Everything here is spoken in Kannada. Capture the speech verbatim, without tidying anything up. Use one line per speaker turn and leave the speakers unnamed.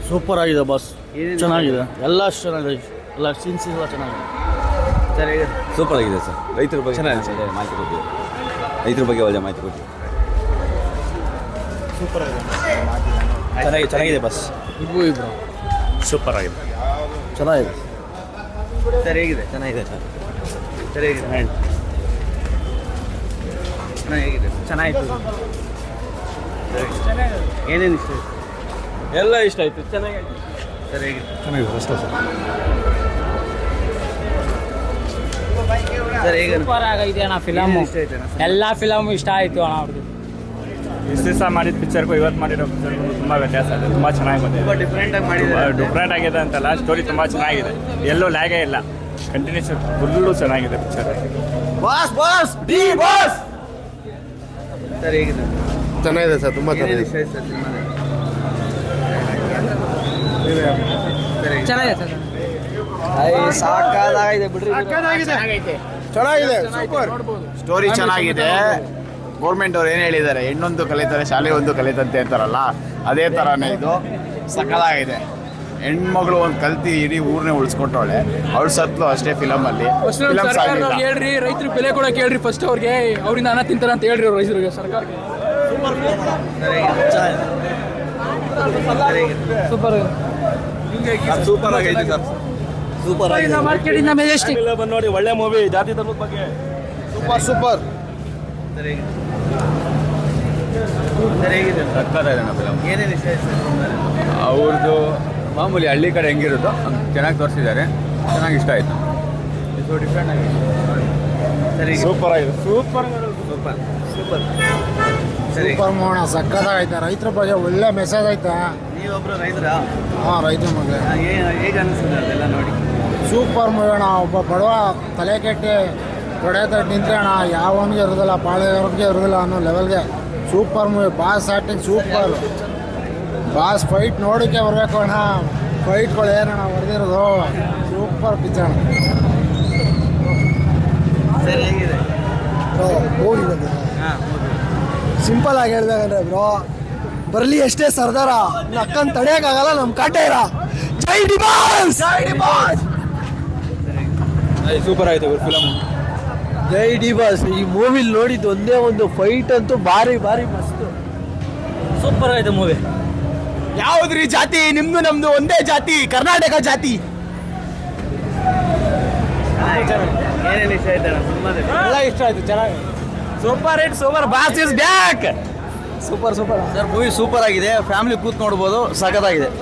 ಸೂಪರ್ ಆಗಿದೆ ಬಾಸ್, ಚೆನ್ನಾಗಿದೆ. ಎಲ್ಲ ಚೆನ್ನಾಗಿದೆ, ಎಲ್ಲ ಸೀನ್ಸ್ ಎಲ್ಲ ಚೆನ್ನಾಗಿದೆ.
ಸರ್ ಹೇಗೆ?
ಸೂಪರ್ ಆಗಿದೆ ಸರ್. ರೈತರ ಬಗ್ಗೆ
ಚೆನ್ನಾಗಿದೆ.
ಮಾಹಿತಿ ಕೊಟ್ಟಿದೆ. ರೈತರ ಬಗ್ಗೆ ಒಳ್ಳೆ ಮಾಹಿತಿ ಕೊಟ್ಟಿದೆ.
ಸೂಪರ್ ಆಗಿದೆ,
ಚೆನ್ನಾಗಿ ಚೆನ್ನಾಗಿದೆ ಬಸ್.
ಇಬ್ಬರು ಇಬ್ಬರು
ಸೂಪರ್ ಆಗಿದೆ.
ಚೆನ್ನಾಗಿದೆ.
ಸರ್ ಹೇಗಿದೆ?
ಚೆನ್ನಾಗಿದೆ ಸರ್.
ಸರ್ ಹೇಗಿದೆ? ಹೇಗಿದೆ?
ಚೆನ್ನಾಗಿತ್ತು.
ಏನೇನು ಇಷ್ಟ ಆಯ್ತು?
ಎಲ್ಲ ಇಷ್ಟ ಆಯಿತು, ಚೆನ್ನಾಗಿದೆ.
ಸರ್ ಹೇಗಿದೆ?
ಚೆನ್ನಾಗಿದೆ ಅಷ್ಟೇ ಸರ್.
ಸರ್ ಹೇಗೆ?
ಸೂಪರ್ ಆಗೈತೆ ಅಣ್ಣ ಫಿಲಮ್.
ಇಷ್ಟ ಆಯ್ತು ಅಣ್ಣ?
ಎಲ್ಲ ಫಿಲಮ್ ಇಷ್ಟ ಆಯಿತು ಅಣ್ಣ ಅವ್ರದ್ದು.
ಇಷ್ಟು ದಿವಸ ಮಾಡಿದ ಪಿಕ್ಚರ್ಗೂ ಇವತ್ತು ಮಾಡಿರೋ ಪಿಕ್ಚರ್ಗೂ ತುಂಬ ವ್ಯತ್ಯಾಸ ಇದೆ. ತುಂಬ ಚೆನ್ನಾಗಿ ಬಂದಿದೆ.
ತುಂಬ ಡಿಫ್ರೆಂಟಾಗಿ ಮಾಡಿದ್ದಾರೆ.
ಡಿಫ್ರೆಂಟ್ ಆಗಿದೆ ಅಂತಲ್ಲ, ಸ್ಟೋರಿ ತುಂಬ ಚೆನ್ನಾಗಿದೆ. ಎಲ್ಲೂ ಲ್ಯಾಗೇ ಇಲ್ಲ. ಕಂಟಿನ್ಯೂಸ್ ಫುಲ್ಲು ಚೆನ್ನಾಗಿದೆ picture.
Boss boss D boss.
Sir ಹೇಗಿದೆ?
ಚೆನ್ನಾಗಿದೆ ಸರ್, ತುಂಬ
ಏನೇನು ಇಷ್ಟ ಆಯ್ತು ಸರ್ ಸಿನಿಮಾದಲ್ಲಿ? ಸರ್ ಹೇಗೆ?
ಚೆನ್ನಾಗಿದೆ ಸರ್.
ಸಾಕಾಗಿದೆ ಬಿಡ್ರಿ.
ಚೆನ್ನಾಗೈತೆ.
ಚೆನ್ನಾಗಿದೆ, ಸೂಪರ್.
ಸ್ಟೋರಿ ಚೆನ್ನಾಗಿದೆ. ಗೌರ್ಮೆಂಟ್ ಅವ್ರು ಏನು ಹೇಳಿದ್ದಾರೆ, ಹೆಣ್ಣೊಂದು ಕಲಿತಾರೆ ಶಾಲೆ ಒಂದು ಕಲಿತಂತೆ ಅಂತಾರಲ್ಲ, ಅದೇ ಥರನೇ ಇದು ಸಕಲಾಗಿದೆ. ಹೆಣ್ಮಗಳು ಒಂದು ಕಲ್ತಿ ಇಡೀ ಊರನ್ನೇ ಉಳಿಸ್ಕೊಟ್ಟವಳೆ. ಅವಳು ಸತ್ಲು ಅಷ್ಟೇ ಫಿಲಮಲ್ಲಿ. ಫಿಲಮ್ ಸಾಗಿಲ್ಲ.
ಹೇಳ್ರಿ ರೈತರಿಗೆ ಬೆಲೆ ಕೊಡಕ್ಕೆ ಹೇಳ್ರಿ ಫಸ್ಟ್ ಅವ್ರಿಗೆ, ಅವರಿಂದ ಅನ್ನ ತಿಂತಾರ ಅಂತ ಹೇಳ್ರಿ ಅವ್ರು ರೈತರಿಗೆ, ಸರ್ಕಾರಕ್ಕೆ.
ಸರ್ ಹೇಗಿದೆ? ಸರ್ ಹೇಗಿದೆ?
ಸೂಪರ್
ಸೂಪರ್ ಆಗೈತೆ ಸರ್.
ಸೂಪರ್ ಆಗಿದೆ.
ಮಾರ್ಕೆಟಿಂದ ಮೆಜೆಸ್ಟಿಕ್
ಬಂದು ನೋಡಿ, ಒಳ್ಳೆ ಮೂವಿ, ಜಾತಿ ಧರ್ಮದ ಬಗ್ಗೆ ಸೂಪರ್ ಸೂಪರ್.
ಸರ್ ಹೇಗಿದೆ? ಸರ್ ಹೇಗಿದೆ?
ಸಕ್ಕತ್ತಾಗಿದೆ ಅಣ್ಣ ಫಿಲಮ್.
ಏನೇನು ಇಷ್ಟ ಆಯ್ತು ಸರ್ ಸಿನಿಮಾದಲ್ಲಿ?
ಅವ್ರದ್ದು ಮಾಮೂಲಿ ಹಳ್ಳಿ ಕಡೆ ಹೆಂಗಿರುತ್ತೋ ಚೆನ್ನಾಗಿ ತೋರಿಸಿದ್ದಾರೆ. ಚೆನ್ನಾಗಿ ಇಷ್ಟ ಆಯಿತು.
ಇದು ಡಿಫ್ರೆಂಟ್ ಆಗಿದೆ. ಸರ್ ಹೇಗಿದೆ?
ಸೂಪರ್ ಆಗಿದೆ, ಸೂಪರ್
ಸೂಪರ್ ಸೂಪರ್. ಸರ್ ಹೇಗೆ?
ಸೂಪರ್ ಮೋಣ ಸಕ್ಕತ್ತಾಗೈತೆ. ರೈತರ ಬಗ್ಗೆ ಒಳ್ಳೆ ಮೆಸೇಜ್ ಐತೆ.
ನೀವೊಬ್ರು ರೈತರಾ?
ಹಾಂ, ರೈತ ಮಗ
ಹೇಗೆ ಅನಿಸ್ತದೆ ಅದೆಲ್ಲ ನೋಡಿ?
ಸೂಪರ್ ಮೂವಿ ಅಣ್ಣ. ಒಬ್ಬ ಬಡವ ತಲೆ ಕೆಟ್ಟಿ ತೊಡೆ ತಟ್ಟು ನಿಂತ್ರೆ ಅಣ್ಣ ಯಾವನಿಗೆ ಇರೋದಿಲ್ಲ, ಪಾಳೆಯವ್ರಿಗೆ ಇರೋದಿಲ್ಲ ಅನ್ನೋ ಲೆವೆಲ್ಗೆ super movie. Boss acting super. Boss fight ನೋಡೋಕ್ಕೆ ಬರಬೇಕು ಅಣ್ಣ. ಫೈಟ್ಗಳು ಏನಣ್ಣ ಹೊಡೆದಿರೋದು, ಸೂಪರ್ ಪಿಕ್ಚರ್ ಅಣ್ಣ.
ಸರ್ ಹೇಗಿದೆ?
ಮೂವಿ ಬಗ್ಗೆ
ಹಾಂ
ಸಿಂಪಲ್ ಆಗಿ ಹೇಳ್ಬೇಕಂದ್ರೆ ಬ್ರೋ, ಬರಲಿ ಎಷ್ಟೇ ಸರ್ದಾರ, ಅಕ್ಕನ್ ತಡೆಯೋಕ್ಕಾಗಲ್ಲ ನಮ್ಮ ಕಾಟೇರ. ಜೈ ಡಿ ಬಾಸ್, ಜೈ ಡಿ ಬಾಸ್.
ಸೂಪರ್ ಆಯಿತು ಫಿಲಮ್.
ಜೈ ಡಿ ಬಾಸ್. ಈ ಮೂವಿಲಿ ನೋಡಿದ್ದು ಒಂದೇ ಒಂದು ಫೈಟ್ ಅಂತೂ ಭಾರಿ ಭಾರಿ ಮಸ್ತ್. ಸೂಪರ್ ಆಯ್ತು ಮೂವಿ.
ಯಾವುದ್ರಿ ಜಾತಿ ನಿಮ್ದು ನಮ್ದು ಒಂದೇ ಜಾತಿ, ಕರ್ನಾಟಕ ಜಾತಿ.
ಏನೇನು ಇಷ್ಟ ಆಯ್ತು ಅಣ್ಣ ಸಿನಿಮಾದಲ್ಲಿ?
ಎಲ್ಲ ಇಷ್ಟ ಆಯ್ತು, ಚೆನ್ನಾಗಿ.
Super hit super boss is back.
Super super sir. Movie super ಆಗಿದೆ, ಫ್ಯಾಮಿಲಿ ಕೂತ್ ನೋಡ್ಬೋದು, ಸಖತ್ತಾಗಿದೆ.